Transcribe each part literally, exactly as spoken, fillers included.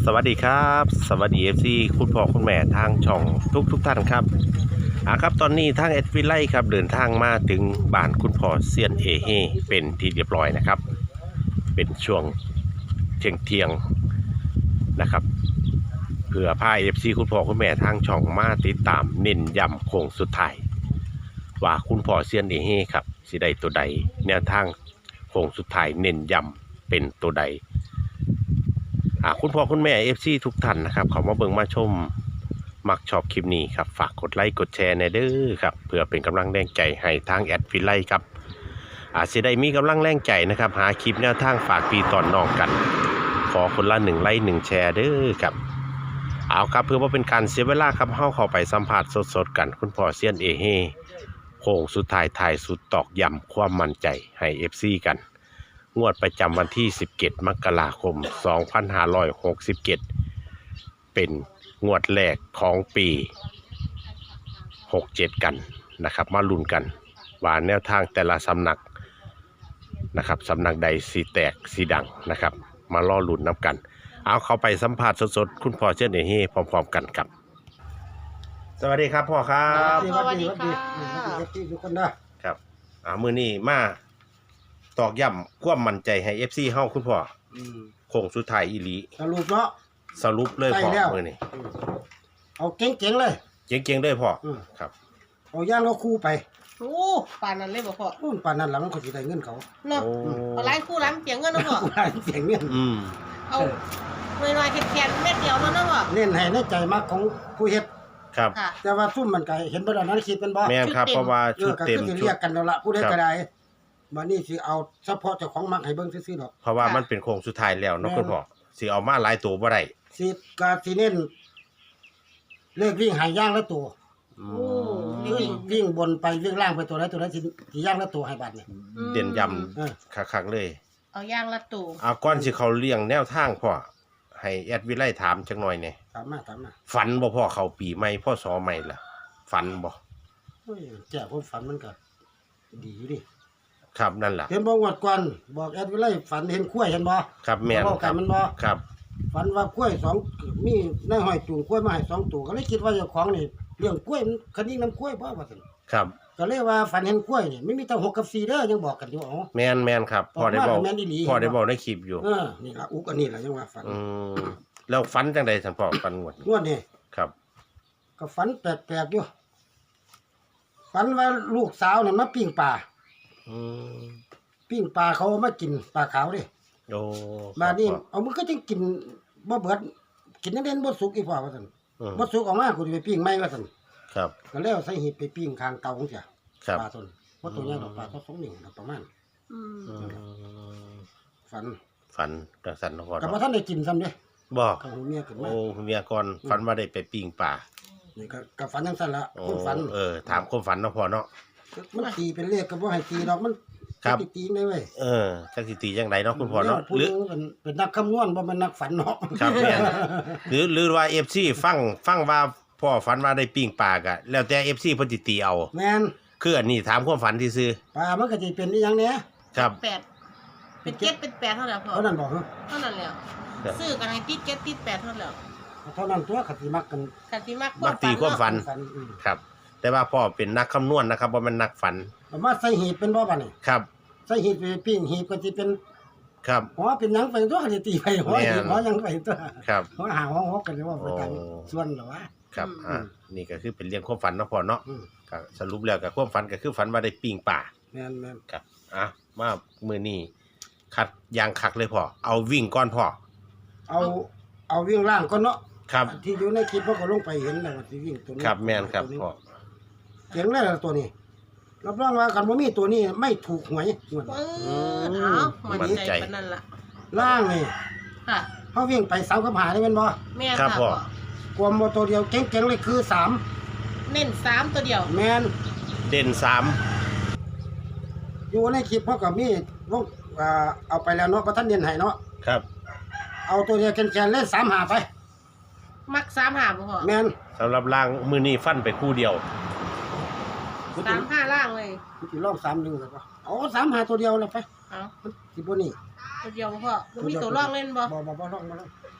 สวัสดีครับสวัสดีเอฟซีคุณพ่อคุณแม่ทางช่องทุกทุกท่านครับอ่าครับตอนนี้ทางเอสวิไลครับเดินทางมาถึงบ้านคุณพ่อเซียนเอเฮเป็นที่เรียบร้อยนะครับเป็นช่วงเที่ยงเที่ยงนะครับเพื่อพาเอฟซีคุณพ่อคุณแม่ทางช่องมาติดตามเน้นย้ำโค้งสุดท้ายว่าคุณพ่อเซียนเอเฮครับสิได้ตัวใดแนวทางโค้งสุดท้ายเน้นย้ำเป็นตัวใดคุณพ่อคุณแม่เอฟซีทุกท่านนะครับเขามาเบิ่งมาชมมักชอบคลิปนี้ครับฝากกดไลค์กดแชร์ในเด้อครับเพื่อเป็นกำลังแรงใจให้ทางแอดฟิไลครับอาจจะได้มีกำลังแรงใจนะครับหาคลิปแนวทางฝากปีตอนนอกกันขอคนละหนึ่งไลค์หนึ่งแชร์เด้อครับเอาครับเพื่อว่าเป็นการเสียเวลาครับเข้าเข้าไปสัมผัสสดๆกันคุณพ่อเซียนเอเฮโค้งสุดท้ายถ่ายสุดตอกย้ำความมั่นใจให้เอฟซีกันงวดประจำวันที่สิบเจ็ดมกราคมสองพันห้าร้อยหกสิบเจ็ดเป็นงวดแรกของปีหกเจ็ดกันนะครับมาลุ้นกันว่าแนวทางแต่ละสำนักนะครับสำนักใดสีแตกสีดังนะครับมาล่อลุ้นนับกันเอาเข้าไปสัมผัสสดๆคุณพ่อเช่นนี้พร้อมๆกันครับสวัสดีครับพ่อครับสวัสดีค่ะสวัสดีทุกคนนะครับอ่ามื้อนี้มาตอกย้ำความมั่นใจให้ เอฟ ซี เฮาคุณพ่อโค้งสุดท้ายอีหลีสรุปเนาะสรุปเลยพ่อมื้อนี้เอาเก่งๆเลยเก่งๆเลยพ่อครับเอาย่างเอาคู่ไปโอ้ป่านนั้นเลยบ่พ่อโอ้ป่านนั้นหลังเขาสิได้เงินเขาเนาะเอาหลายคู่หลายเสียเงินเนาะพ่อหลายเสียเงินอืมเอาน้อยๆแค่ๆเม็ดเดียวเนาะเนาะพ่อเน้นให้ในใจมักของผู้เฮ็ดครับแต่ว่าซุ่มมันก็เห็นบ่ได้นั้นคิดเป็นบ่แม่นครับเพราะว่าชุดเต็มชุดเรียกกันแล้วล่ะผู้ใดก็ได้บัดนี้สิเอาเฉพาะเจ้าของมักให้เบิ่งซื่อๆดอกเพราะว่ามันเป็นโค้งสุดท้ายแล้วเนาะคุณพ่อสิเอามาหลายตัวบ่ได้สิก็สิเน้นเลขวิ่งหายย่างละตัวโอ้วิ่งวิ่งบนไปวิ่งล่างไปตัวไหนตัวไหนสิสิย่างละตัวให้บัดนี่เด่นย้ำคักๆเลยเอาย่างละตัวเอาก่อนสิเขาเลี้ยงแนวทางพ่อให้แอดวิไลถามจักหน่อยแหน่ถามมาถามมาฝันบ่พ่อเขาปีใหม่พ่อสอใหม่ล่ะฝันบ่โอ้ยแจ้คนฝันมันก็ดีอยู่ดิครับนั่นล่ะเห็นบ่งวดก่อนบอกแอดวิไลฝันเห็นกล้วยเห็นบ่ครับแม่นครับมันบ่ครับฝันว่ากล้วยสองมีนายห้อยจูงกล้วยมาให้สองตัวก็เลยคิดว่าเจ้าของนี่เลี้ยงกล้วยมันคันนี้น้ำกล้วยบ่ว่าซั่นครับก็เลยว่าฝันเห็นกล้วยนี่ไม่มีแต่หกกับสี่เด้อยังบอกกันอยู่อ๋อแม่นๆครับพ่อได้บอกพ่อได้บอกในคลิปอยู่เออนี่ล่ะอุกอันนี้ล่ะยังว่าฝันอืมแล้วฝันจังได๋ท่านพ่อฝันงวดงวดนี่ครับก็ฝันแปลกๆอยู่ฝันว่าลูกสาวนี่มาปิ้งปลาอืมปิ้งปลาเขามากินปลาขาวดิโอ้มานี่เอามันก็จังกินบ่เบิดกินนั่นเด่นบ่สุกอีพ่อว่าซั่นบ่สุกออกมากูสิไปปิ้งใหม่ว่าซั่นครับก็แล้วใส่หีบไปปิ้งข้างเตาจังซี่ครับปลาต้นบ่ตัวใหญ่ดอกปลาตัวสองนิ้วประมาณอืมฝันฝันจังซั่นเนาะพ่อก็บ่ทันได้กินซ้ำเด้บ่ก็หูเมียขึ้นมาโอ้เมียก่อนฝันว่าได้ไปปิ้งปลานี่ก็ก็ฝันจังซั่นล่ะความฝันเออถามความฝันเนาะพ่อเนาะมันตีเป็นเลขก็บ่ให้ตีดอกมันครับตีได้เว้ยเออจักสิตีจังไดเนาะคุณพ่อเนาะหรือเป็นเป็นนักคำนวณบ่แม่นนักฝันเนาะครับแม่นหรือหรือว่า เอฟ ซี ฟังฟังว่าพ่อฝันว่าได้ปิ้งปลาก็แล้วแต่ เอฟ ซี เพิ่นสิตีเอาแม่นคืออันนี้ถามความฝันซื่อปลามันก็สิเป็นอีหยังเนี่ยครับแปดเป็นเจ็ดเป็นแปดเท่านั้นพ่อเท่านั้นบ่ฮะเท่านั้นแล้วซื้อกันให้ติดเจ็ดติดแปดเท่านั้นแล้วเท่านั้นตัวก็สิมักกันก็สิมักมักตีความฝันครับแต่ว่าพ่อเป็นนักคำนวณนะครับบ่แม่นนักฝันมาใส่หีบเป็นบ่บัดนี้ครับใส่หีบไปปิ้งหีบก็สิเป็นครับหัวเป็นหยังไปตัวก็สิตีไปหัวหีบหัวยังไปตัวครับหัวหาหัวฮอกกันว่าไปกันส่วนเหรอวะครับอ่านี่ก็คือเป็นเรื่องความฝันเนาะพ่อเนาะก็สรุปแล้วก็ความฝันก็คือฝันว่าได้ปิ้งปลาแม่นๆครับอ่ะมามื้อนี้คัดยางคักเลยพ่อเอาวิ่งก่อนพ่อเอาเอาวิ่งล่างก่อนเนาะครับที่อยู่ในคลิปมันก็ลงไปเห็นแล้วว่าสิวิ่งตัวนี้ครับแม่นครับพ่อเก่งแล้วตัวนี้รับรองว่ากันบ่มีตัวนี้ไม่ถูกหวยงวดเออเอามันใจปานนั้นล่ะล่างนี่ค่ะเฮาวิ่งไปสามกับหาได้แม่นบ่แม่นค่ะพ่อความบ่ตัวเดียวเก่งๆเลยคือสามเน้นสามตัวเดียวแม่นเด่นสามอยู่ในคลิปเฮาก็มีวงอ่าเอาไปแล้วเนาะบ่ทันเน้นให้เนาะครับเอาตัวเดียวแก่นๆเล่นสามหาไปมักสามหาบ่พ่อแม่นสำหรับล่างมื้อนี้ฟันไปคู่เดียวสามห้าล่างเลยสิลองสามหนึ่งก็เอาสามหาตัวเดียวแล้วไปเอาสิบ่นี่ตัวเดียวพ่อบ่มีตัวร่องเล่นบ่บ่บ่บ่ร่องบ่ร่อง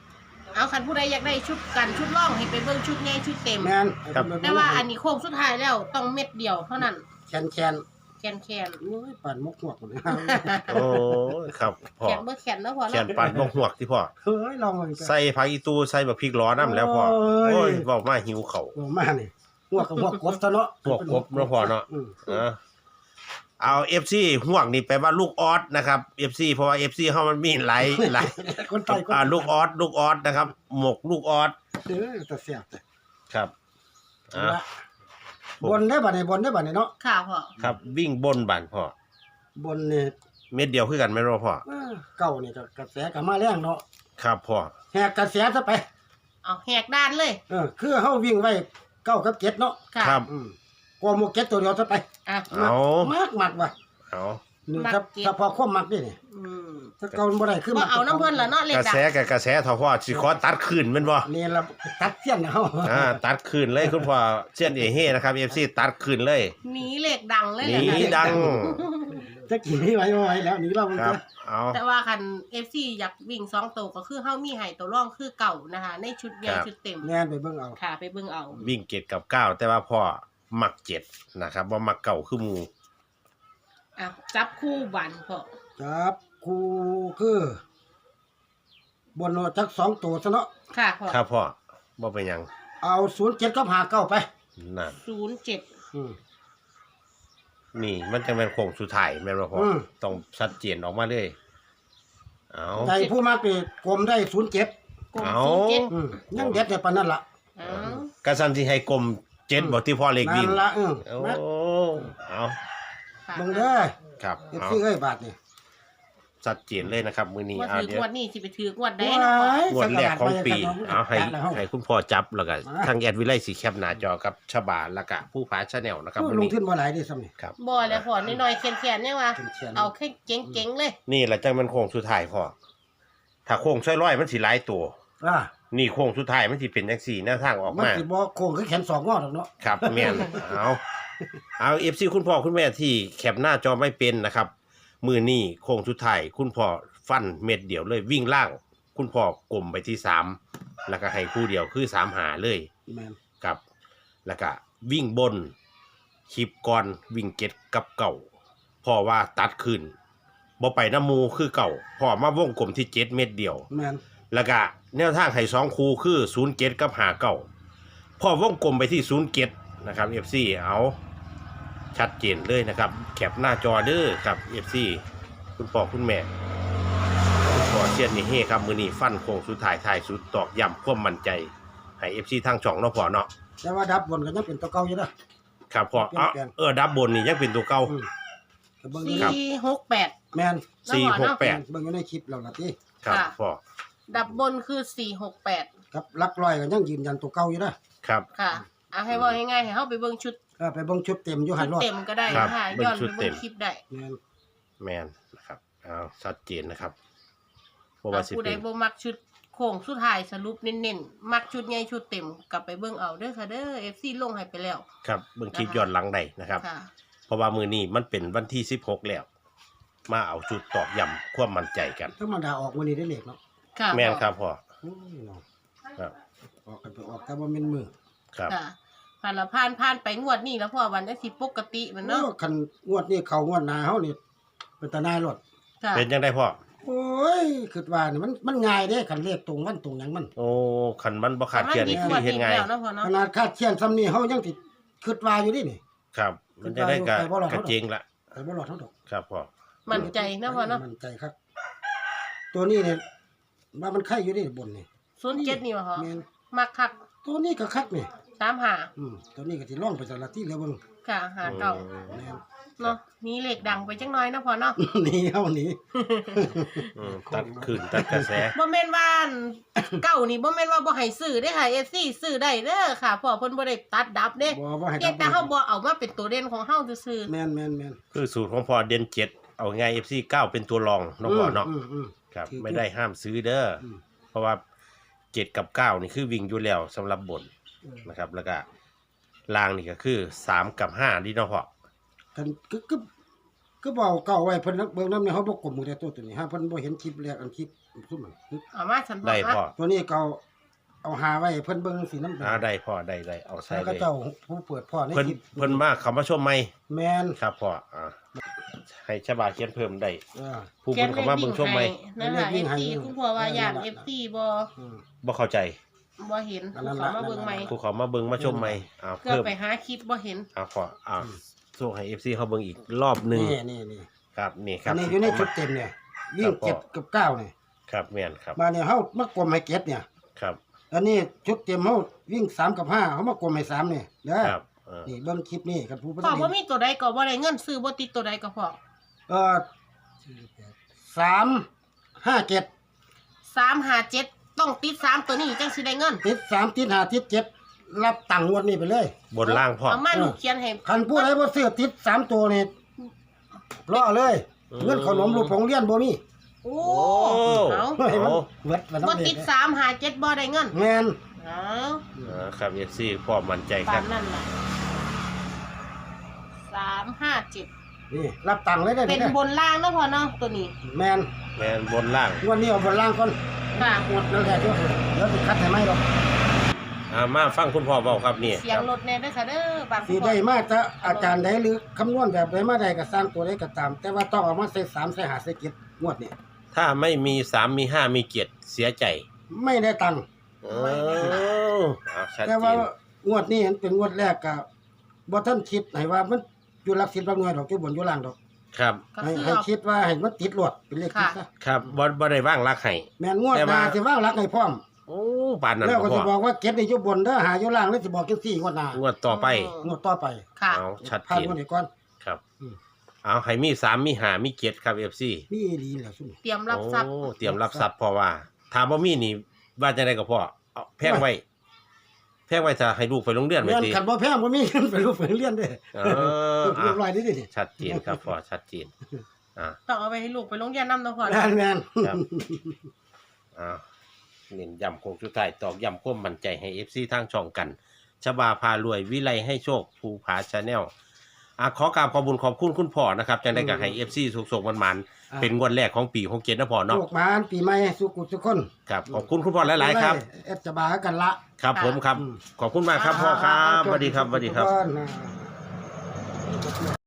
เอาคันผู้ใดอยากได้ชุดกันชุดร่องให้ไปเบิ่งชุดใหญ่ชุดเต็มแม่นแต่ว่าอันนี้โค้งสุดท้ายแล้วต้องเม็ดเดียวเท่านั้นแคนแคนแคนแคนโอ้ยปั่นมกหวกเลยโอ้ครับพ่อแคนเบ่แคนแล้วพอแขเนาะนปันบ่หวกที่พ่อเฮ้ยลองเลยใส่ผักอีตูใส่บักพริกล้อน้ำแล้วพ่อโอ้ยโอ้ยเว้ามาหิวข้าวโอ้มานี่หัวกับหัวกบซะเนาะหัวกบเนาะพ่อเนาะอืมเออเอา เอฟ ซี ห่วงนี่แปลว่าลูกออสนะครับ เอฟ ซี เพราะว่า เอฟ ซี เฮามันมีหลายหลายคนไทยคนอ่าลูกออสลูกออสนะครับ หมกลูกออสเออแต่เสียบแต่ครับอ่าบนได้บ่เนี่ยบนได้บ่เนี่ยเนาะค่ะพ่อครับวิ่งบนบันพ่อบนเนี่ยเม็ดเดียวคือกันไหม่รู้พ่อเออเก่านี่ก็กระแสก็มาแรงเนาะครับพ่อแหกกระแสซะไปเอาแหกด้านเลยเออคือเฮาวิ่งไว้เก้ากับเจ็ดเนาะค่ะครับอืมกว่าหมกเจ็ดตัวเดียวซะไปอ่ะเอามากมากว่ะเอานี่มักถ้าเจ็ดถ้าพอความมักนี่นี่อืมถ้าเก่ามันบ่ได้คือบ่มักเอาน้ำเพิ่นละเนาะเลขกระดังแสกับกระแสเท่าพ่อสิขอตัดคืนแม่นบ่นี่ละตัดเสี้ยนเฮาอ่าตัดคืนเลยคุณพ่อเชียนเอเฮนะครับ เอฟ ซี ตัดคืนเลยหนีเลขดังเลยหแหละนีค่ะดังจะกี่ไว้ไว้แล้วหนี่เรามันครับจะเอาแต่ว่าคัน เอฟ ซี อยากวิ่งสองตัวก็คือเฮามีให้ตัวร่องคือเก่านะคะ ในชุดใหญ่ชุดเต็มแน่นไปเบิ่งเอาค่ะไปเบิ่งเอาวิ่งเจ็ดกับเก้าแต่ว่าพ่อมักเจ็ดนะครับว่ามักเก่าคือหมูอ่ะจับคู่บันพ่อจับคูคือบนเอาจักสองตัวซะเนาะค่ะพ่อครับพ่อบ่เป็นหยังเอาศูนย์เจ็ดกับหาเก้าไปนั่นศูนย์เจ็ดอืมนี่มันจะเป็นโค้งสุดท้ายแม่นบ่พ่ออมต้องชัดเจนออกมาเลยเอาใจผู้มักนี่กลมได้ศูนย์เจ็ดกลมเอาศูนย์เจ็ดอืมยังเด็ดได้ปานนั้นล่ะเอากระสันที่ให้กลมเจ็ดบ่ที่พ่อเล็กวิ่งนั่นล่ะเออโอ้มาเอาค่ะเบิ่งเด้อครับเอฟเอาซีเอ้ยบาทนี่ชัดเจนเลยนะครับมื้อนี้ว่าเอาถือเดี๋ยวงวดนี้สิไปถืองวดได้เนาะพ่องวดแรกของปี เอาให้จัดแล้วให้คุณพ่อจับแล้วก็ทางแอดวิไลสีแคปหน้าจอกับฉบาแล้วก็ผู้ผาชาแนลนะครับโอ้มื้อลงนี้ทุนบ่หลายเด้ซ้ำนี่ครับบ่แล้วพ่อน้อยๆแข็งๆเนี่ยว่าเขียนๆเอาแค่เก๋งๆเลยนี่แหละจังมันโค้งสุดท้ายพ่อถ้าโค้งร้อยๆมันสิหลายตัวอ่านี่โค้งสุดท้ายมันสิเป็นจังซี่แนวทางออกมันมาสิบ่โค้งคือแขนสองงอดอกเนาะครับแม่นเอาเอา เอฟ ซี คุณพ่อคุณแม่ที่แคปหน้าจอไม่เป็นนะครับ มือนี่โค้งสุดท้ายคุณพ่อฟันเม็ดเดียวเลยวิ่งล่าง คุณพ่อกลมไปที่สามแล้วก็ให้คู่เดียวคือสามหาเลยแม่นครับ แล้วก็วิ่งบนคลิปก่อนวิ่งเก็ดกับเก่าพ่อว่าตัดขึ้นบ่ไปน้ำมูคือเก่าพ่อมาวงกลมที่เจ็ดเม็ดเดียวแม่นแล้วก็แนวทางให้สองคูคือศูนย์เจ็ดกับหาเก่าพ่อวงกลมไปที่ศูนย์เจ็ดนะครับ เอฟ ซี เอาชัดเจนเลยนะครับแคปหน้าจอเด้อครับ เอฟ ซี คุณพ่อคุณแม่คุณพ่อเชียนนี่เฮ้ครับมือนี้ฟันโค้งสุดท้ายท้ายสุดตอกย้ำความมั่นใจให้ เอฟ ซี ทางช่องเนาะพ่อเนาะแต่ว่าดับบนก็ยังเป็นตัวเก่าอยู่เด้อครับพ่อเอาเออดับบนนี่ยังเป็นตัวเก่าอืมก็เบิ่งอยู่ครับสี่หกแปดแม่นสี่หกแปดเบิ่งอยู่ในคลิปแล้วล่ะติครับค่ะพ่อดับบนคือสี่หกแปดครับหลักร้อยก็ยังยืนยันตัวเก่าอยู่เด้อครับค่ะเอาให้ว่าง่ายๆให้เฮาไปเบิ่งชุดเออไปเบิ่งชุดเต็มอยู่หัชุนดรอดเต็มก็ได้ครับค่ะเบิ่งย้อนชุไปดเต็เบิ่มงคลิปได้แม่นแมนนะครับเอาชัดเจนนะครับเพราะว่าถ้าสิผู้ใดเป็นบ่มักชุดโค้งสุดท้ายสรุปเน้นๆมักชุดใหญ่ชุดเต็มกลับไปเบิ่งเอาเด้อค่ะเด้อ เอฟ ซี ลงให้ไปแล้วครับเบิ่งคลิปย้อนหลังได้นะครับค่ะเพราะว่ามือนี้มันเป็นวันที่สิบหกแล้ว มาเอาจุดตอกย้ำความมั่นใจกันธรรมดาออกมื้อนี้ได้เลขเนาะค่ะแม่นครับพ่อโอ้ยเนาะครับออกกันไปออกแต่ว่าแม่นมือครับค่ะผ่านละผ่านผ่านไปงวดนี้แล้วพอวันได้สิปกติมันเนาะโอ้คันงวดนี้เข้างวดหน้าเฮานี่เป็นตาหนายรถค่ะเป็นยังได้พ่อโอ้ยคิดว่านี่มันมันง่ายเด้คันเลขตรงวันตรงหยังมันโอ้ขันมันบ่ขาดมันเกียรมีนี่งคืวอดเฮ็ดนี้ไงายแล้วเนาะพอขเนาะนาดคาดเชียนซ้ำนี่เฮายังสิคิดว่าอยู่ดินี่ครับ มันจะได้กะไปบ่รอดกะเจงละไปบ่รอดเท่าดอกครับพ่อมั่นใจนะพอเนาะมั่นใจครับ ตัวนี้เนี่ยว่ามันไข่อยู่ดิบนนี่ศูนย์เจ็ดนี่วะพอแม่นมักคักตัวนี้ก็คักนี่สามหาอืมตัวนี้ก็สิล่องไปสารที่แล้วเบิ่งค่ะหาเก่าแม่นเนาะมีเหล็กดังไปจังน้อยนะพอเนาะหนี่เฮาหนี่อืมตัดคืนตัดกระแสบ่แม่นว่าอันเก่านี่บ่แม่นว่าบ่ให้ซื้อได้อค่ะ เอฟ ซี ซื้อได้เด้อค่ะเพราะเพิ่นบ่ได้ตัดดับเด้บ่บ่ให้เพียงแต่เฮาบ่เอามาเป็นตัวเด่นของเฮาซื่อแม่นแม่นแม่นคือสูตรของพ่อเด่นเจ็ดเอาไง เอฟ ซี เก้าเป็นตัวรองเนาะพ่อเนาะอืมอืมครับถือไม่ได้ห้ามซื้อเด้ออมเพราะว่าเจ็ดกับเก้านี่คือวิ่งอยู่แล้วสำหรับบนอืมนะครับ แล้วก็ล่างนี่ก็คือสามกับห้าดีเนาะพ่อกันกึกกึบก็บอกเก่าไว้เพิ่นนักเบิ่งนำเนี่ยเฮาบ่กลมมือแต่ตัวตัวนี้ฮะเพิ่นบ่เห็นคลิปแรกอันคลิปซุ่มมันเอามาฉันบอได้กพ่อว่าตัวนี้เก่าเอาหาไว้เพิ่นเบิ่งสินำอ่าได้พ่อได้ได้เอาใส่แล้วเลก็ยเจ้าผู้เปิดพ่อในเพิ่นคลิปเพิ่นมาเขามาชมใหม่แม่นครับพ่ออ่าให้ชาวบ้านเขียนเพิ่มได้เออผู้เพิ่นเขามาเบิ่งชมใหม่นั่นแหละเขีเอยนฟเลขวิ่ซีงให้คุณพ่อว่าอยากเออเอฟซีบ่อืมบ่เข้าใจบ่เห็นอันนั้นเขาละมาเบิ่งใหม่ผู้เขามาเบิ่งมาชมใหม่อ่าเพื่อเพิ่มไปหาคลิปบ่เห็นอ่าพ่ออ่าส่งให้ เอฟ ซี เขาเบิ่งอีกรอบหนึงนี่นี่นี่ครับนี่คอัรันบนี้อยู่ในชุดเต็มเนี่ยวิ่งครับพ่อเจ็ดกับเก้าเนี่ยครับแม่นครับมาเนี่ยเฮามากลมให้เจ็ดเนี่ยครับอันนี้ชุดเต็มเฮาวิ่งสามกับห้าเฮามากลมให้สามเนี่ยเด้อครับเออนี่เบิ่งคลิปนี้กันผู้บ่พ่อได้บ่มีตัวใดก็บ่ได้เงินซื้อบ่ติดตัวใดก็พอเอ่อสามห้าเจ็ดสามห้าเจ็ดต้องติดสามตัวนี้จังสิได้เงินติดสามติดห้าติดเจ็ดรับตังค์งวดนี้ไปเลยบนล่างพ่อเอามาลูกเขียนให้คันผู้ใดบ่ซื้อติดสามตัวนี่รอเลยอืมเงินขนมลูกผงเรียนบ่มีโอ้โอ้เอาให้มันโอ้เบิดมันบ่ต้องเด็ติดดสามห้าเจ็ดบ่ได้เงินแม่นเอาอ่าครับ เอฟ ซี พ่อมั่นใจคตารับมนั่นล่ะสามห้าเจ็ดนี่รับตังค์เลยได้เป็นด้บนล่างเนาะพ่อเนาะตัวนี้แม่นแม่นบนล่างงวดนี้เอาบนล่างก่อนค่ะหมดแล้วแหละเดี๋ยวเดี๋ยวสิคัดให้ไหมหรอกอ่ามาฟังคุณพ่อเว้าครับนี่เสียคงรับรถแน่เด้อค่ะเด้อบางสิได้มาจะอาจารย์ใดหรือคำนวณแบบใดมาใดก็สร้างตัวใดก็ตาม แต่ว่าต้องเอามาใส่สามใส่ห้าใส่เจ็ดงวดนี้ถ้าไม่มีสามมีห้ามีเกียรติเสียใจไม่ได้ตังค์เออเอาชัดแต่เจว่าน งวดนี้เป็นงวดแรกก็บ่ทันคิดให้ว่ามันอยู่หลักสิบหลักหน่วยดอกอยู่บนอยู่ล่างดอกครับก็ให้คือให้เอาคิดว่าให้มันติดลวดเป็นเลขติดซะครับบ่บ่ได้ว่างรักให้แม่นงวดแต่หน้าว่าสิว่างหลักให้พร้อมโอ้ปานนั้นแล้วบ่ก็พ่สิอบอกว่าเก็บนี่อยู่บนเด้อหาอยู่ล่างแล้วสิบอกจังซี่งวดหน้างวดต่อไปงวดต่อไปค่ะเอาชัดผ่านเจนงวดนี้ก่อนครับอืมเอาให้มีสามมีห้ามีเกียรติครับ เอฟ ซีมีอีหลีแหละซุ่มเตรียมรับทรัพย์โอ้เตรียมรับทรัพย์เพราะว่าถ้าบ่มีนี่ว่าจังได๋ก็พ่อเอาแพงไว้แพงไว้ถ้าให้ลูกไปโรงเรียนไว้แม่นติคันบ่แพงบ่มีเงินไปรูปไปเรียนเด้เออเรียบร้อ่ะอยเด้ดิชัดเจนครับพ่อชัดเจนอ่าต้องเอาไปให้ลูกไปโรงเรียนนำเนาะพ่อแม่นแม่นครับ อ่าเน้นย้ำโคงสุดท้ายตอกย้ำความมั่นใจให้ เอฟ ซี ทางช่องกันชบาพารวยวิไลให้โชคภูผาชาแนลอ่ะขอกราบขอบคุญขอบคุณคุณพ่อนะครับจังได้กับให้ เอฟ ซี สุขๆมันๆเป็นงวดแรกของปีหกเจ็ดนะพ่อเนาะโชคหมานปีใหม่สุขุทุกคนครับขอบคุณคุณพ่อหลายๆครับเอ็ดจะบากันละครับผมครับ ขอบคุณมากครับพ่อครับสวัสดีครับสวัสดีครับทุกน